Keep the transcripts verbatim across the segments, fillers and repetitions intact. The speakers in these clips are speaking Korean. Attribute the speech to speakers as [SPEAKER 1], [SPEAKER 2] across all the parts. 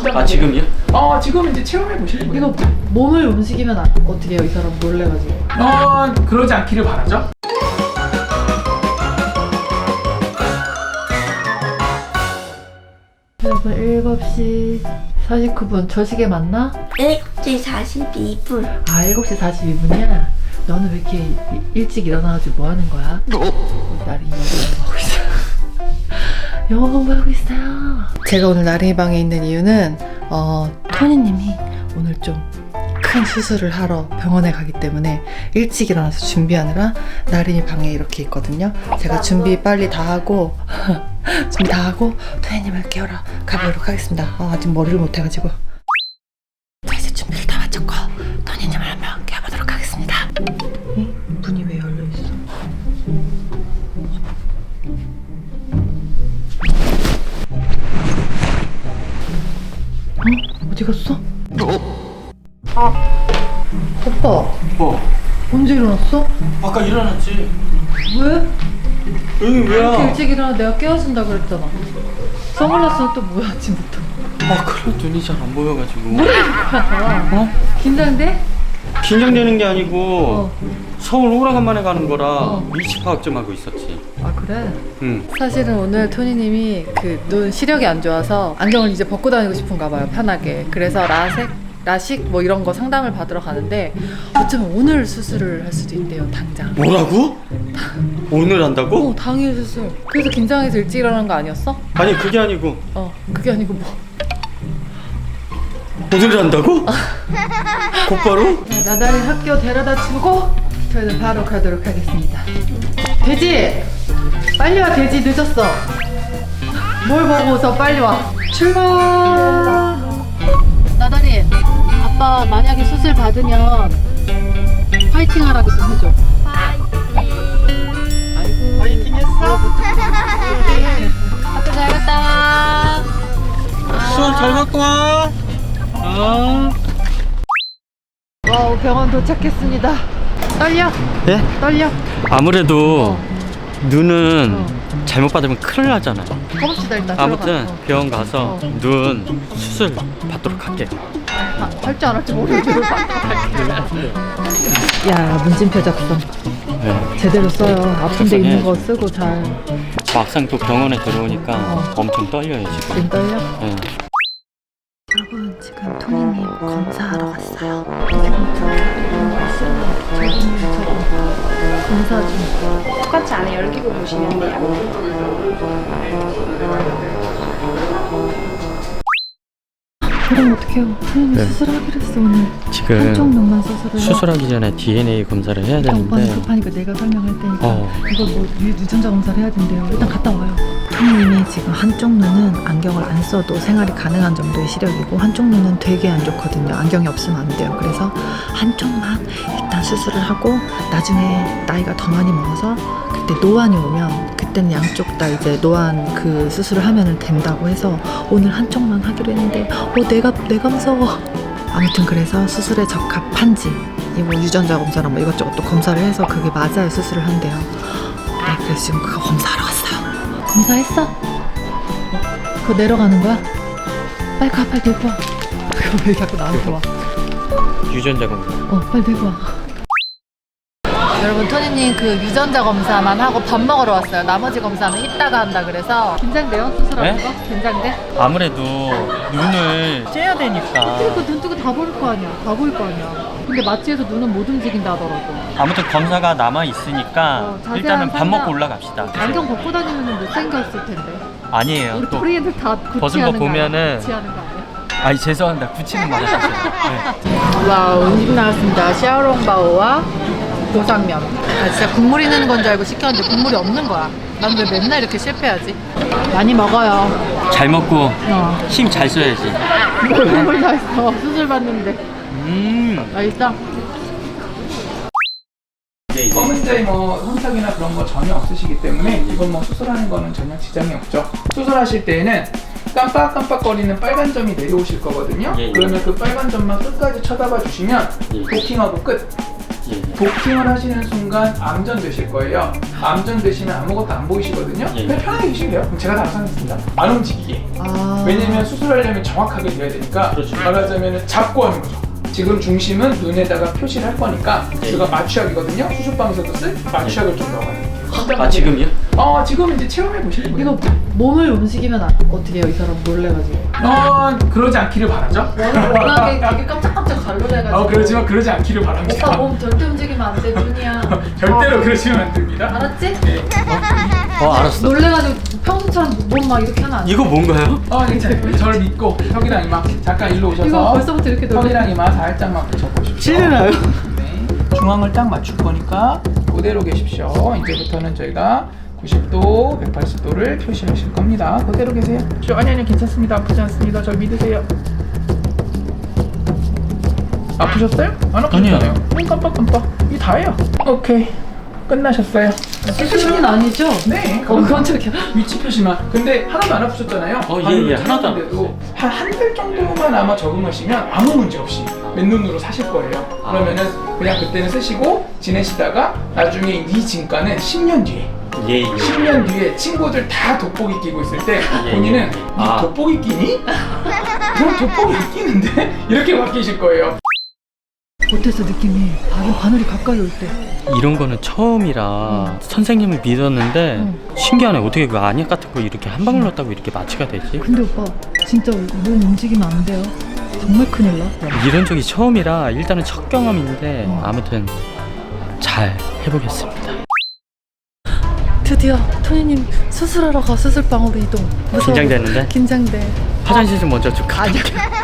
[SPEAKER 1] 아 지금요?
[SPEAKER 2] 어 지금 이제 체험해 보실 거예요.
[SPEAKER 3] 이거 몸을 움직이면 어떻게 해요? 이 사람 놀래가지고.
[SPEAKER 2] 어 그러지 않기를 바라죠.
[SPEAKER 3] 여러분 일곱 시 사십구 분 저 시계 맞나?
[SPEAKER 4] 일곱 시 사십이 분.
[SPEAKER 3] 아 일곱 시 사십이 분이야? 너는 왜 이렇게 이- 일찍 일어나가지고 뭐 하는 거야? 나린이 영어 공부하고 있어. 영어 공부하고 있어요. 제가 오늘 나린이 방에 있는 이유는 어, 토니님이 오늘 좀 큰 수술을 하러 병원에 가기 때문에 일찍 일어나서 준비하느라 나린이 방에 이렇게 있거든요. 제가 준비 빨리 다 하고 준비 다 하고 토니님을 깨우러 가보도록 하겠습니다. 아, 아직 머리를 못 해가지고. 자 이제 준비를 다 마쳤고 토니님을 한번 깨워보도록 하겠습니다. 응? 문이 왜 열려있어? 어? 어디 갔어? 오빠
[SPEAKER 1] 뭐?
[SPEAKER 3] 언제 일어났어?
[SPEAKER 1] 아까 일어났지.
[SPEAKER 3] 왜?
[SPEAKER 1] 여기
[SPEAKER 3] 이렇게
[SPEAKER 1] 왜야?
[SPEAKER 3] 일찍 일어나 내가 깨워준다 그랬잖아. 선글라스는 또 뭐야 아침부터?
[SPEAKER 1] 아 그래 눈이 잘 안 보여가지고.
[SPEAKER 3] 어? 긴장돼?
[SPEAKER 1] 긴장되는 게 아니고
[SPEAKER 3] 어.
[SPEAKER 1] 서울 오라간만에 가는 거라
[SPEAKER 3] 어.
[SPEAKER 1] 위치 파악 좀 하고 있었지.
[SPEAKER 3] 아 그래?
[SPEAKER 1] 응.
[SPEAKER 3] 사실은 오늘 토니님이 그 눈 시력이 안 좋아서 안경을 이제 벗고 다니고 싶은가 봐요, 편하게. 그래서 라섹, 라식 뭐 이런 거 상담을 받으러 가는데 어쩌면 오늘 수술을 할 수도 있대요, 당장.
[SPEAKER 1] 뭐라고? 오늘 한다고?
[SPEAKER 3] 어, 당일 수술. 그래서 긴장해서 일찍 일어난 거 아니었어?
[SPEAKER 1] 아니 그게 아니고
[SPEAKER 3] 어, 그게 아니고 뭐.
[SPEAKER 1] 오늘 한다고? 곧바로?
[SPEAKER 3] 자, 나달이 학교 데려다 주고 저희는 바로 가도록 하겠습니다. 돼지! 빨리 와, 돼지 늦었어. 뭘 보고서 빨리 와. 출발! 나달이, 아빠 만약에 수술 받으면 파이팅 하라고 좀 해줘. 아이고.
[SPEAKER 1] 파이팅 했어?
[SPEAKER 3] 학교 잘 갔다 와.
[SPEAKER 1] 수업 잘 갖고 와. 어.
[SPEAKER 3] 와우, 병원 도착했습니다. 떨려?
[SPEAKER 1] 예?
[SPEAKER 3] 떨려?
[SPEAKER 1] 아무래도
[SPEAKER 3] 어.
[SPEAKER 1] 눈은
[SPEAKER 3] 어.
[SPEAKER 1] 잘못 받으면 큰일 나잖아.
[SPEAKER 3] 가봅시다 일단.
[SPEAKER 1] 아무튼
[SPEAKER 3] 들어가. 어.
[SPEAKER 1] 병원 가서
[SPEAKER 3] 어.
[SPEAKER 1] 눈 수술 받도록 할게요.
[SPEAKER 3] 아, 할줄 알았지 모르겠어. 야, 문진표 작성
[SPEAKER 1] 네.
[SPEAKER 3] 제대로 써요. 아픈데 있는 거
[SPEAKER 1] 작성해야지.
[SPEAKER 3] 쓰고 잘.
[SPEAKER 1] 막상 또 병원에 들어오니까
[SPEAKER 3] 어.
[SPEAKER 1] 엄청 떨려요 지금.
[SPEAKER 3] 지금 떨려?
[SPEAKER 1] 네.
[SPEAKER 3] 여러분 지금 토니님 검사하러 갔어요. 검사 중.
[SPEAKER 4] 똑같이 안에 열기구 보시면 돼요.
[SPEAKER 3] 그럼 어떡해요? 토니님
[SPEAKER 1] 네.
[SPEAKER 3] 수술하기로 했어 오늘.
[SPEAKER 1] 지금
[SPEAKER 3] 한쪽 눈만 수술을.
[SPEAKER 1] 수술하기 전에 디엔에이 검사를 해야
[SPEAKER 3] 일단 오빠는
[SPEAKER 1] 되는데
[SPEAKER 3] 급하니까 내가 설명할 테니까
[SPEAKER 1] 어.
[SPEAKER 3] 이거 뭐 유- 유전자 검사를 해야 된대요. 일단 갔다 와요. 토니님이 지금 한쪽 눈은 안경을 안 써도 생활이 가능한 정도의 시력이고 한쪽 눈은 되게 안 좋거든요. 안경이 없으면 안 돼요. 그래서 한쪽만 일단 수술을 하고 나중에 나이가 더 많이 먹어서 그때 노안이 오면 그때는 양쪽 다 이제 노안 그 수술을 하면 된다고 해서 오늘 한쪽만 하기로 했는데 어 내가 내가 무서워. 아무튼 그래서 수술에 적합한지 이거 유전자 검사랑 뭐 이것저것 또 검사를 해서 그게 맞아야 수술을 한대요. 네, 그래서 지금 그거 검사하러 갔어요. 검사했어? 어, 그거 내려가는 거야? 빨리 가, 빨리 들고 와. 그거 왜 자꾸 나한테 와?
[SPEAKER 1] 유전자 검사.
[SPEAKER 3] 어, 빨리 들고 와. 여러분, 토니님 그 유전자 검사만 하고 밥 먹으러 왔어요. 나머지 검사는 이따가 한다 그래서. 긴장돼요? 수술하는
[SPEAKER 1] 네?
[SPEAKER 3] 거? 긴장돼?
[SPEAKER 1] 아무래도 눈을 째야 되니까.
[SPEAKER 3] 그눈 뜨고 다 보일 거 아니야. 다 보일 거 아니야. 근데 마취해서 눈은 못 움직인다 하더라고.
[SPEAKER 1] 아무튼 검사가 남아 있으니까
[SPEAKER 3] 어, 자세한
[SPEAKER 1] 일단은 밥
[SPEAKER 3] 설명.
[SPEAKER 1] 먹고 올라갑시다.
[SPEAKER 3] 안경 벗고 다니면 못생겼을 텐데.
[SPEAKER 1] 아니에요.
[SPEAKER 3] 우리
[SPEAKER 1] 또
[SPEAKER 3] 토리애들 다
[SPEAKER 1] 벗은 거
[SPEAKER 3] 구치하는 거 아니야?
[SPEAKER 1] 보면은-
[SPEAKER 3] 구치하는 거 아니야?
[SPEAKER 1] 아니 죄송합니다. 굳히는 말 하셨어요. 네.
[SPEAKER 3] 와우, 음식 나왔습니다. 샤오롱바오와 고상면. 아, 진짜 국물 있는 건 줄 알고 시켰는데 국물이 없는 거야. 난 왜 맨날 이렇게 실패하지? 많이 먹어요.
[SPEAKER 1] 잘 먹고
[SPEAKER 3] 어.
[SPEAKER 1] 힘 잘 써야지.
[SPEAKER 3] 뭘 국물 다 있어. 수술 받는데.
[SPEAKER 1] 음.
[SPEAKER 3] 맛있어?
[SPEAKER 2] 검은자에 뭐 손상이나 그런 거 전혀 없으시기 때문에 이건 뭐 수술하는 거는 전혀 지장이 없죠. 수술하실 때에는 깜빡깜빡거리는 빨간 점이 내려오실 거거든요.
[SPEAKER 1] 예, 예.
[SPEAKER 2] 그러면 그 빨간 점만 끝까지 쳐다봐 주시면
[SPEAKER 1] 예.
[SPEAKER 2] 도킹하고 끝.
[SPEAKER 1] 예.
[SPEAKER 2] 복싱을 하시는 순간 암전 되실 거예요. 암전 되시면 아무것도 안 보이시거든요.
[SPEAKER 1] 예.
[SPEAKER 2] 그냥 편하게 계시면 돼요. 그럼 제가 다 하겠습니다. 안 움직이게.
[SPEAKER 3] 아.
[SPEAKER 2] 왜냐면 수술하려면 정확하게 돼야 되니까
[SPEAKER 1] 그렇죠.
[SPEAKER 2] 말하자면 잡고 하는 거죠. 지금 중심은 눈에다가 표시를 할 거니까
[SPEAKER 1] 예.
[SPEAKER 2] 제가 마취약이거든요. 수술방에서도 쓸 마취약을 좀 넣어가요.
[SPEAKER 1] 아 지금요?
[SPEAKER 2] 어 지금 이제 체험해 보실 거예요.
[SPEAKER 3] 이거 몸을 움직이면 아- 어떻게 해요? 이 사람 놀래가지고.
[SPEAKER 2] 어 그러지 않기를 바라죠.
[SPEAKER 3] 워낙에 되게 깜짝깜짝 잘 놀래가지고.
[SPEAKER 2] 어 그렇지만 그러지 않기를 바랍니다.
[SPEAKER 3] 오빠 몸 절대 움직이면 안 돼, 눈이야.
[SPEAKER 2] 절대로 그러시면 안 됩니다.
[SPEAKER 3] 알았지?
[SPEAKER 2] 네.
[SPEAKER 1] 어 알았어.
[SPEAKER 3] 놀래가지고 평소처럼 몸 막 이렇게 하면 안 돼.
[SPEAKER 1] 이거 뭔가요?
[SPEAKER 2] 어 이제 저를 믿고 혁이랑 이마 잠깐 일로 오셔서
[SPEAKER 3] 이거 벌써부터 이렇게 놀래.
[SPEAKER 2] 혁이랑 이마 살짝만 붙여보십시오.
[SPEAKER 1] 찔리나요?
[SPEAKER 2] 네. 중앙을 딱 맞출 거니까 그대로 계십시오. 이제부터는 저희가 구십 도, 백팔십 도를 표시하실 겁니다. 그대로 계세요. 저, 아니 아니 괜찮습니다. 아프지 않습니다. 저 믿으세요. 아프셨어요? 안 아프셨잖아요.
[SPEAKER 1] 아니요.
[SPEAKER 2] 눈 깜빡깜빡. 이게 다예요. 오케이. 끝나셨어요.
[SPEAKER 3] 수술은 아니죠?
[SPEAKER 2] 네.
[SPEAKER 3] 어, 깜짝이야.
[SPEAKER 2] 위치 표시만. 근데 하나도 안 아프셨잖아요.
[SPEAKER 1] 어, 예, 예, 하나도 안
[SPEAKER 2] 아프셨는데도 한 한 달 정도만 아마 적응하시면 아무 문제 없이 맨눈으로 사실 거예요.
[SPEAKER 1] 아.
[SPEAKER 2] 그러면은 그냥 그때는 쓰시고 지내시다가 나중에 이 진가는 십 년 뒤에
[SPEAKER 1] 예 예.
[SPEAKER 2] 십 년 뒤에 친구들 다 돋보기 끼고 있을 때
[SPEAKER 1] 예,
[SPEAKER 2] 본인은
[SPEAKER 1] 예.
[SPEAKER 2] 이
[SPEAKER 1] 아.
[SPEAKER 2] 돋보기 끼니? 너 돋보기 안 끼는데? 이렇게 바뀌실 거예요.
[SPEAKER 3] 어땠어 느낌이? 바늘, 바늘이 가까이 올 때.
[SPEAKER 1] 이런 거는 처음이라 선생님을 믿었는데
[SPEAKER 3] 응.
[SPEAKER 1] 신기하네. 어떻게 그 안약 같은 거 이렇게 한 방울 넣었다고 이렇게 마취가 되지?
[SPEAKER 3] 근데 오빠 진짜 몸 움직이면 안 돼요. 정말 큰일 나.
[SPEAKER 1] 이런 적이 처음이라 일단은 첫 경험인데
[SPEAKER 3] 어.
[SPEAKER 1] 아무튼 잘 해보겠습니다.
[SPEAKER 3] 드디어 토니님 수술하러 가 수술방으로 이동. 무서워.
[SPEAKER 1] 긴장되는데?
[SPEAKER 3] 긴장돼.
[SPEAKER 1] 화장실 좀 먼저 좀 가볼게.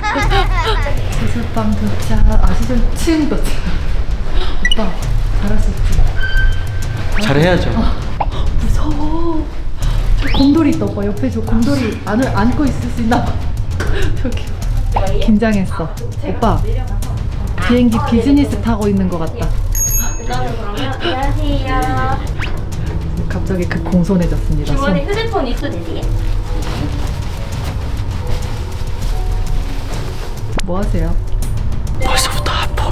[SPEAKER 3] 수술방 도착. 아 수술 층 도착. 오빠 잘할 수 있지?
[SPEAKER 1] 잘해야죠.
[SPEAKER 3] 무서워. 저 곰돌이 있다 오빠. 옆에 저 곰돌이 안을 안고 있을 수 있나 봐. 저기. 긴장했어. 오빠 비행기 비즈니스 타고 있는 것 같다.
[SPEAKER 4] 그다음에 그러면 안녕하세요.
[SPEAKER 3] 갑자기 그 공손해졌습니다.
[SPEAKER 4] 주머니
[SPEAKER 3] 손.
[SPEAKER 4] 휴대폰 있으세요?
[SPEAKER 3] 뭐 하세요?
[SPEAKER 1] 벌써부터 아파.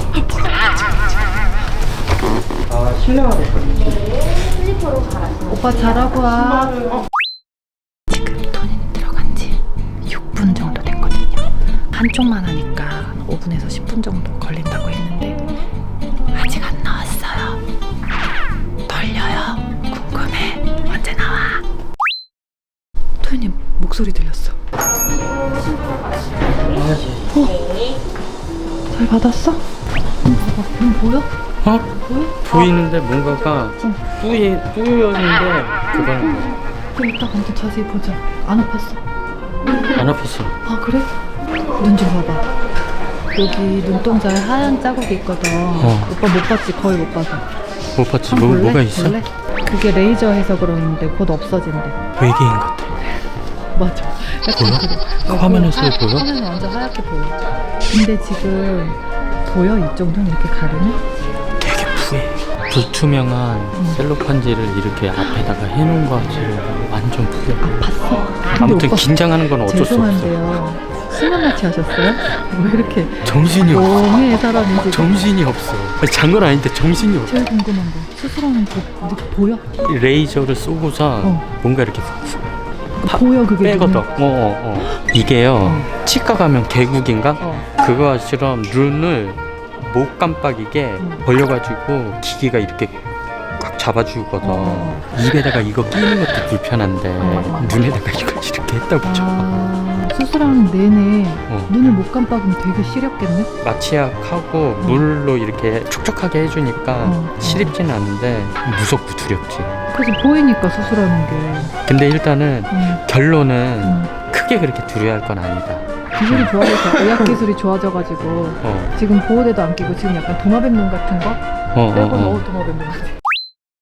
[SPEAKER 2] 아 실내화 됐거든요.
[SPEAKER 4] 네, 슬리퍼로 갈아주세요.
[SPEAKER 3] 오빠 잘하고 와. 지금 토니는 들어간 지 육 분 정도 됐거든요. 한쪽만 하니까 오 분에서 십 분 정도 걸린다고 했는데 아직 안 나왔어요. 떨려요. 궁금해. 언제 나와? 토니님 목소리 들렸어.
[SPEAKER 4] 네.
[SPEAKER 3] 잘 받았어? 응, 봐봐. 눈 보여?
[SPEAKER 1] 어?
[SPEAKER 3] 보여?
[SPEAKER 1] 보이는데 뭔가가 뿌이 뿌였는데 그건
[SPEAKER 3] 그럼 이따 아무튼 자세히 보자. 안 아팠어?
[SPEAKER 1] 안 아팠어.
[SPEAKER 3] 아 그래? 눈 좀 봐봐. 여기 눈동자에 하얀 자국이 있거든.
[SPEAKER 1] 어.
[SPEAKER 3] 오빠 못 봤지? 거의 못 봐서.
[SPEAKER 1] 못 봤지.
[SPEAKER 3] 한번
[SPEAKER 1] 뭐
[SPEAKER 3] 볼래?
[SPEAKER 1] 뭐가 있어?
[SPEAKER 3] 볼래? 그게 레이저 해서 그러는데 곧 없어진대.
[SPEAKER 1] 외계인 같아.
[SPEAKER 3] 맞아.
[SPEAKER 1] 보여?
[SPEAKER 3] 어,
[SPEAKER 1] 화면에서
[SPEAKER 3] 보여?
[SPEAKER 1] 보여?
[SPEAKER 3] 화면은 완전 하얗게 보여. 근데 지금 보여? 이쪽 눈 이렇게 가르면?
[SPEAKER 1] 되게 부해. 불투명한
[SPEAKER 3] 음.
[SPEAKER 1] 셀로판지를 이렇게 앞에다가 해놓은 거 같이 완전 부해.
[SPEAKER 3] 아팠어. 근데
[SPEAKER 1] 아무튼
[SPEAKER 3] 오빠
[SPEAKER 1] 긴장하는 건 어쩔 수 없어.
[SPEAKER 3] 죄송한데요. 수면 마취 하셨어요? 왜 이렇게
[SPEAKER 1] 정신이 없어.
[SPEAKER 3] 멍해 사람이 지금.
[SPEAKER 1] 정신이 없어. 아니, 잔건 아닌데 정신이 없어.
[SPEAKER 3] 제일 궁금한 거 수술하는 거 근데 보여?
[SPEAKER 1] 레이저를 쏘고서
[SPEAKER 3] 어.
[SPEAKER 1] 뭔가 이렇게 파-
[SPEAKER 3] 보여 그게
[SPEAKER 1] 빼거든.
[SPEAKER 3] 눈에?
[SPEAKER 1] 어, 어, 어. 이게요.
[SPEAKER 3] 어.
[SPEAKER 1] 치과 가면 개국인가?
[SPEAKER 3] 어.
[SPEAKER 1] 그거처럼 눈을 못 깜빡이게
[SPEAKER 3] 음.
[SPEAKER 1] 벌려가지고 기계가 이렇게 꽉 잡아주거든.
[SPEAKER 3] 어.
[SPEAKER 1] 입에다가 이거 끼는 것도 불편한데
[SPEAKER 3] 어.
[SPEAKER 1] 눈에다가 이걸 이렇게 했다고 쳐.
[SPEAKER 3] 아, 수술하는 내내
[SPEAKER 1] 어.
[SPEAKER 3] 눈을 못 깜빡이면 되게 시렵겠네?
[SPEAKER 1] 마취약하고 물로 이렇게 촉촉하게 해주니까
[SPEAKER 3] 어.
[SPEAKER 1] 시립지는 않은데 무섭고 두렵지.
[SPEAKER 3] 그래서 보이니까 수술하는 게.
[SPEAKER 1] 근데 일단은
[SPEAKER 3] 음,
[SPEAKER 1] 결론은
[SPEAKER 3] 음.
[SPEAKER 1] 크게 그렇게 두려워할 건 아니다.
[SPEAKER 3] 기술이 좋아져서 의학 기술이 좋아져가지고
[SPEAKER 1] 어,
[SPEAKER 3] 지금 보호대도 안 끼고 지금 약간 도마뱀 눈 같은 거?
[SPEAKER 1] 어,
[SPEAKER 3] 빼고
[SPEAKER 1] 어,
[SPEAKER 3] 어,
[SPEAKER 1] 어.
[SPEAKER 3] 도마뱀 눈 같아.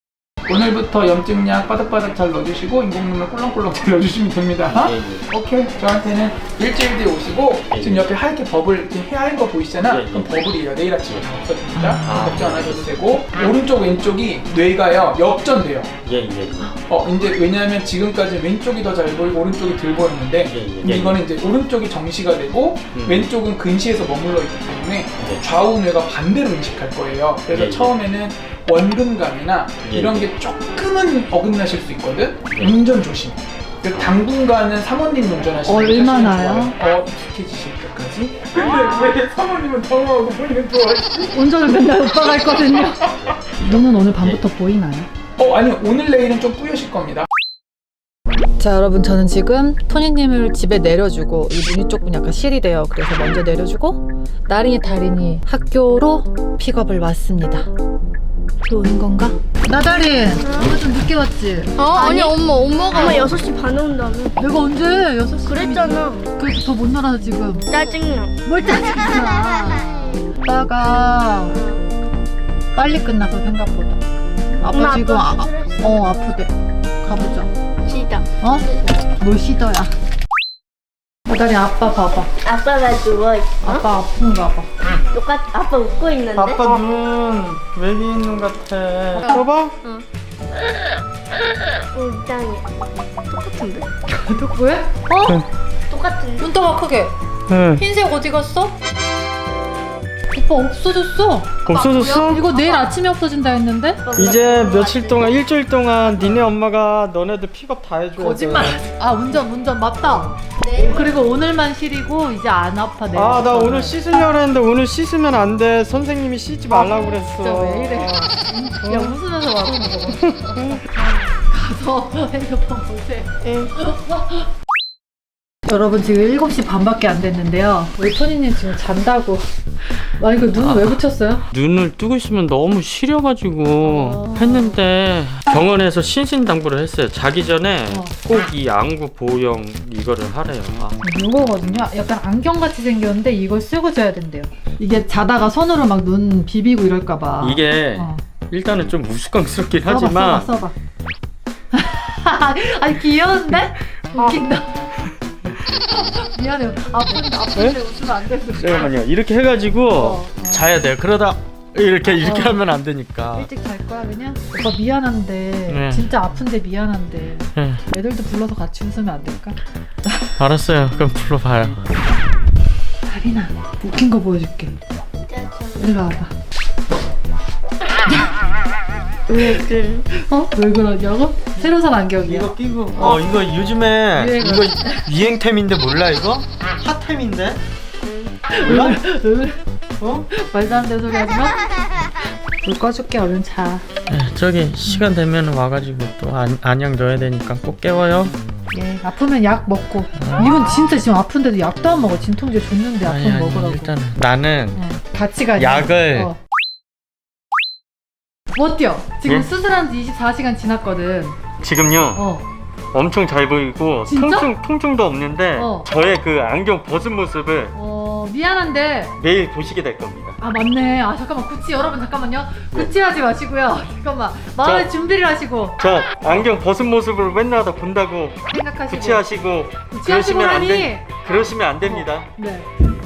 [SPEAKER 2] 오늘부터 염증약 바닥바닥 잘 넣어주시고 인공눈물 꿀렁꿀렁 잘 넣어주시면 됩니다.
[SPEAKER 1] 예, 예.
[SPEAKER 2] 오케이. 저한테는 일주일 뒤에 오시고
[SPEAKER 1] 예,
[SPEAKER 2] 지금
[SPEAKER 1] 예.
[SPEAKER 2] 옆에 하얗게 버블 이렇게 하얀 거 보이시잖아?
[SPEAKER 1] 예, 예.
[SPEAKER 2] 그럼 버블이에요. 내일 아침에 다 없어집니다.
[SPEAKER 1] 아.
[SPEAKER 2] 걱정 안 하셔도 되고 오른쪽 왼쪽이 뇌가요 역전돼요.
[SPEAKER 1] 예, 예, 예.
[SPEAKER 2] 어 이제 왜냐하면 지금까지 왼쪽이 더 잘 보이고 오른쪽이 덜 보였는데
[SPEAKER 1] 예, 예,
[SPEAKER 2] 근데
[SPEAKER 1] 예.
[SPEAKER 2] 이거는 이제 오른쪽이 정시가 되고
[SPEAKER 1] 음.
[SPEAKER 2] 왼쪽은 근시에서 머물러 있기 때문에
[SPEAKER 1] 예.
[SPEAKER 2] 좌우 뇌가 반대로 인식할 거예요. 그래서
[SPEAKER 1] 예, 예.
[SPEAKER 2] 처음에는 원근감이나
[SPEAKER 1] 예,
[SPEAKER 2] 이런
[SPEAKER 1] 예.
[SPEAKER 2] 게 조금은 어긋나실 수 있거든.
[SPEAKER 1] 예.
[SPEAKER 2] 운전 조심. 그 당분간은 사모님 운전하시는 게
[SPEAKER 3] 얼마나요?
[SPEAKER 2] 사실은 좋아요. 어 익숙해지실 때까지. 근데 왜 사모님은 당황하고 본인은 좋아하시지?
[SPEAKER 3] 운전을 맨날 오빠가 했거든요. 눈은 오늘 밤부터 보이나요?
[SPEAKER 2] 어 아니 오늘 내일은 좀 뿌여실 겁니다.
[SPEAKER 3] 자 여러분 저는 지금 토니님을 집에 내려주고 이 눈이 조금 약간 실이 돼요. 그래서 먼저 내려주고 나린이 다린이 학교로 픽업을 왔습니다. 오는 건가? 나다린 오늘 좀 늦게 왔지?
[SPEAKER 5] 어? 아니, 엄마 엄마가
[SPEAKER 4] 엄마 여섯 시 반에 온다며.
[SPEAKER 3] 내가 언제 여섯 시
[SPEAKER 4] 그랬잖아.
[SPEAKER 3] 그래서 더 못 놀아서 지금
[SPEAKER 4] 짜증나.
[SPEAKER 3] 뭘 짜증나. 오빠가 빨리 끝나서 생각보다 아빠
[SPEAKER 4] 엄마,
[SPEAKER 3] 지금
[SPEAKER 4] 아빠
[SPEAKER 3] 아,
[SPEAKER 4] 수술했어.
[SPEAKER 3] 어 아프대. 가보자.
[SPEAKER 4] 시다.
[SPEAKER 3] 어? 뭘 시더야? 나다린 아빠 봐봐.
[SPEAKER 4] 아빠가 누워있어.
[SPEAKER 3] 아빠 아픈가 봐.
[SPEAKER 4] 똑같, 아빠 웃고 있는데?
[SPEAKER 1] 아빠 눈 외계인 눈 같아. 봐봐.
[SPEAKER 4] 어, 이상해. 똑같은데?
[SPEAKER 3] 너 왜? 어?
[SPEAKER 4] 똑같은데?
[SPEAKER 3] 눈떠봐 크게.
[SPEAKER 1] 응.
[SPEAKER 3] 흰색 어디 갔어? 오빠 없어졌어.
[SPEAKER 1] 없어졌어?
[SPEAKER 3] 이거 내일 아침에 없어진다 했는데?
[SPEAKER 1] 이제 며칠 동안 일주일 동안 니네 엄마가 너네들 픽업 다 해줘야 돼.
[SPEAKER 3] 거짓말. 아 운전 운전 맞다.
[SPEAKER 4] 네.
[SPEAKER 3] 그리고 오늘만 시리고 이제 안 아파 내일.
[SPEAKER 1] 아 나 오늘 씻으려고 했는데 오늘 씻으면 안 돼. 선생님이 씻지 말라고 그랬어.
[SPEAKER 3] 진짜 왜 이래? 야 웃으면서 와. 가서 핸드폰 보세요. 여러분 지금 일곱 시 반밖에 안 됐는데요. 우리 토니님 지금 잔다고. 아 이거 눈 왜 붙였어요?
[SPEAKER 1] 눈을 뜨고 있으면 너무 시려가지고
[SPEAKER 3] 어.
[SPEAKER 1] 했는데 병원에서 신신당부를 했어요. 자기 전에
[SPEAKER 3] 어.
[SPEAKER 1] 꼭 이 안구 보형 이거를 하래요. 아.
[SPEAKER 3] 이거거든요. 약간 안경같이 생겼는데 이걸 쓰고 자야 된대요. 이게 자다가 손으로 막 눈 비비고 이럴까봐.
[SPEAKER 1] 이게
[SPEAKER 3] 어.
[SPEAKER 1] 일단은 좀 우스꽝스럽긴
[SPEAKER 3] 써봐,
[SPEAKER 1] 하지만
[SPEAKER 3] 써봐 써봐. 아니 귀여운데? 웃긴다. 미안해요. 아픈데 아픈데 웃으면 안 되는 거야.
[SPEAKER 1] 잠깐만요. 이렇게 해가지고
[SPEAKER 3] 어, 어.
[SPEAKER 1] 자야 돼요. 그러다 이렇게 이렇게
[SPEAKER 3] 어.
[SPEAKER 1] 하면 안 되니까.
[SPEAKER 3] 일찍 잘 거야 그냥? 오빠 미안한데
[SPEAKER 1] 네.
[SPEAKER 3] 진짜 아픈데 미안한데
[SPEAKER 1] 네,
[SPEAKER 3] 애들도 불러서 같이 웃으면 안 될까?
[SPEAKER 1] 알았어요. 그럼 불러봐요.
[SPEAKER 3] 다리나 웃긴 거 보여줄게. 일로 와봐.
[SPEAKER 4] 왜 그래?
[SPEAKER 3] 어? 왜 그러냐고? 새로 산 안경이야.
[SPEAKER 1] 이거 끼고 어 이거 요즘에
[SPEAKER 3] 유행어.
[SPEAKER 1] 이거 유행템인데 몰라 이거? 핫템인데? 몰라?
[SPEAKER 3] 응?
[SPEAKER 1] 어?
[SPEAKER 3] 말도 안 되는 소리 하지 마. 불 꺼줄게 얼른 자.
[SPEAKER 1] 네, 저기 시간 되면 와가지고 또 안, 안약 넣어야 되니까 꼭 깨워요.
[SPEAKER 3] 예, 아프면 약 먹고. 이분 진짜 지금 아픈데도 약도 안 먹어. 진통제 줬는데
[SPEAKER 1] 아니
[SPEAKER 3] 아프면
[SPEAKER 1] 아니
[SPEAKER 3] 먹으라고.
[SPEAKER 1] 일단 나는
[SPEAKER 3] 응. 같이 가자.
[SPEAKER 1] 약을-
[SPEAKER 3] 어. 못 뛰어. 지금
[SPEAKER 1] 예?
[SPEAKER 3] 수술한 지 이십사 시간 지났거든.
[SPEAKER 1] 지금요
[SPEAKER 3] 어.
[SPEAKER 1] 엄청 잘 보이고
[SPEAKER 3] 진짜?
[SPEAKER 1] 통증, 통증도 없는데
[SPEAKER 3] 어.
[SPEAKER 1] 저의 그 안경 벗은 모습을
[SPEAKER 3] 어, 미안한데.
[SPEAKER 1] 매일 보시게 될 겁니다.
[SPEAKER 3] 아, 맞네. 아, 잠깐만. 구찌 여러분 잠깐만요. 구찌 하지 마시고요. 잠깐만. 마음의
[SPEAKER 1] 저-
[SPEAKER 3] 준비를 하시고
[SPEAKER 1] 저 안경 벗은 모습을 맨날 다 본다고
[SPEAKER 3] 생각하시고.
[SPEAKER 1] 구치하시고
[SPEAKER 3] 구치하시고
[SPEAKER 1] 그러시면 안
[SPEAKER 3] 하니.
[SPEAKER 1] 돼. 그러시면 안 됩니다.
[SPEAKER 3] 네.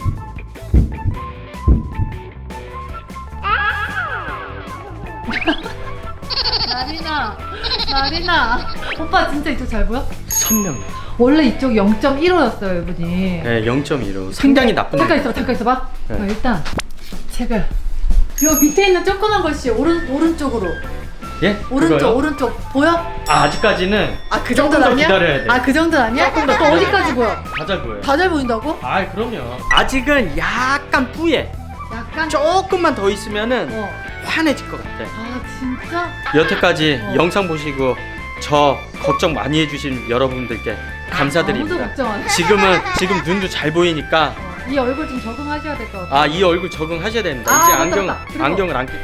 [SPEAKER 3] 나리나, 나리나. 오빠 진짜 이쪽 잘 보여?
[SPEAKER 1] 선명.
[SPEAKER 3] 원래 이쪽 영 점 일오였어요, 이분이.
[SPEAKER 1] 네, 영 점 일오. 상당히 나쁜.
[SPEAKER 3] 잠깐 있어봐, 잠깐 있어봐.
[SPEAKER 1] 네.
[SPEAKER 3] 어, 일단 책을 요 밑에 있는 조그만 것이 오른 오른쪽으로.
[SPEAKER 1] 예?
[SPEAKER 3] 오른쪽,
[SPEAKER 1] 그거요?
[SPEAKER 3] 오른쪽 보여?
[SPEAKER 1] 아, 아직까지는
[SPEAKER 3] 아, 그
[SPEAKER 1] 조금
[SPEAKER 3] 정도는
[SPEAKER 1] 더
[SPEAKER 3] 아니야?
[SPEAKER 1] 기다려야 돼.
[SPEAKER 3] 아, 그 정도는 아니야?
[SPEAKER 1] 조금 더
[SPEAKER 3] 또
[SPEAKER 1] 기다려야
[SPEAKER 3] 어디까지 보여?
[SPEAKER 1] 다 잘 보여요.
[SPEAKER 3] 다 잘 보인다고?
[SPEAKER 1] 아, 그럼요. 아직은 약간 뿌예.
[SPEAKER 3] 약간.
[SPEAKER 1] 조금만 더 있으면은
[SPEAKER 3] 어.
[SPEAKER 1] 환해질 것 같아.
[SPEAKER 3] 아, 진짜?
[SPEAKER 1] 여태까지
[SPEAKER 3] 어.
[SPEAKER 1] 영상 보시고 저 걱정 많이 해주신 여러분들께 감사드립니다.
[SPEAKER 3] 아무도 걱정 안 해.
[SPEAKER 1] 지금은 지금 눈도 잘 보이니까
[SPEAKER 3] 어, 이 얼굴 좀 적응하셔야 될 것 같아.
[SPEAKER 1] 아, 이 얼굴 적응하셔야 됩니다.
[SPEAKER 3] 아,
[SPEAKER 1] 이제
[SPEAKER 3] 맞다,
[SPEAKER 1] 안경
[SPEAKER 3] 맞다. 그리고-
[SPEAKER 1] 안경을 안 끼.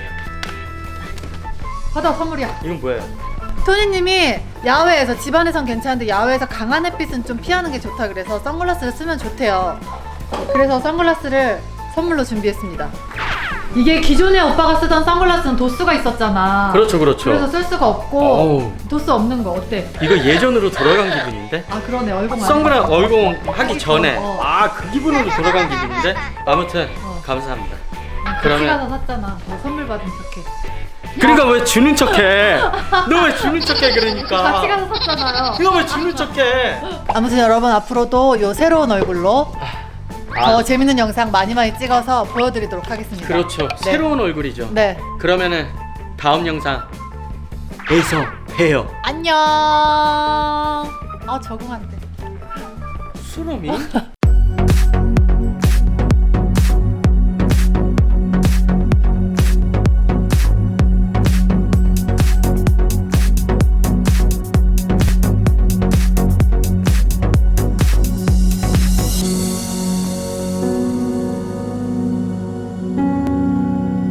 [SPEAKER 3] 받아, 선물이야.
[SPEAKER 1] 이건 뭐예요?
[SPEAKER 3] 토니님이 야외에서 집안에선 괜찮은데 야외에서 강한 햇빛은 좀 피하는 게 좋다 그래서 선글라스를 쓰면 좋대요. 그래서 선글라스를 선물로 준비했습니다. 이게 기존에 오빠가 쓰던 선글라스는 도수가 있었잖아.
[SPEAKER 1] 그렇죠, 그렇죠.
[SPEAKER 3] 그래서 쓸 수가 없고
[SPEAKER 1] 어우.
[SPEAKER 3] 도수 없는 거 어때?
[SPEAKER 1] 이거 예전으로 돌아간 기분인데?
[SPEAKER 3] 아 그러네 얼굴 많이
[SPEAKER 1] 선글라스 얼공 하기 전에
[SPEAKER 3] 어.
[SPEAKER 1] 아 그 기분으로 돌아간 기분인데 아무튼
[SPEAKER 3] 어.
[SPEAKER 1] 감사합니다.
[SPEAKER 3] 같이
[SPEAKER 1] 그러면-
[SPEAKER 3] 가서 샀잖아. 뭐 선물 받은 척해.
[SPEAKER 1] 그러니까 왜 주는 척해? 너 왜 주는 척해 그러니까?
[SPEAKER 3] 같이 가서 샀잖아요.
[SPEAKER 1] 이거 왜 주는 척해?
[SPEAKER 3] 아무튼 여러분 앞으로도 요 새로운 얼굴로 더 재밌는 영상 많이 많이 찍어서 보여드리도록 하겠습니다.
[SPEAKER 1] 그렇죠.
[SPEAKER 3] 네.
[SPEAKER 1] 새로운 얼굴이죠.
[SPEAKER 3] 네.
[SPEAKER 1] 그러면은 다음 영상에서 봬요.
[SPEAKER 3] 안녕. 아 적응 안 돼.
[SPEAKER 1] 수롬이?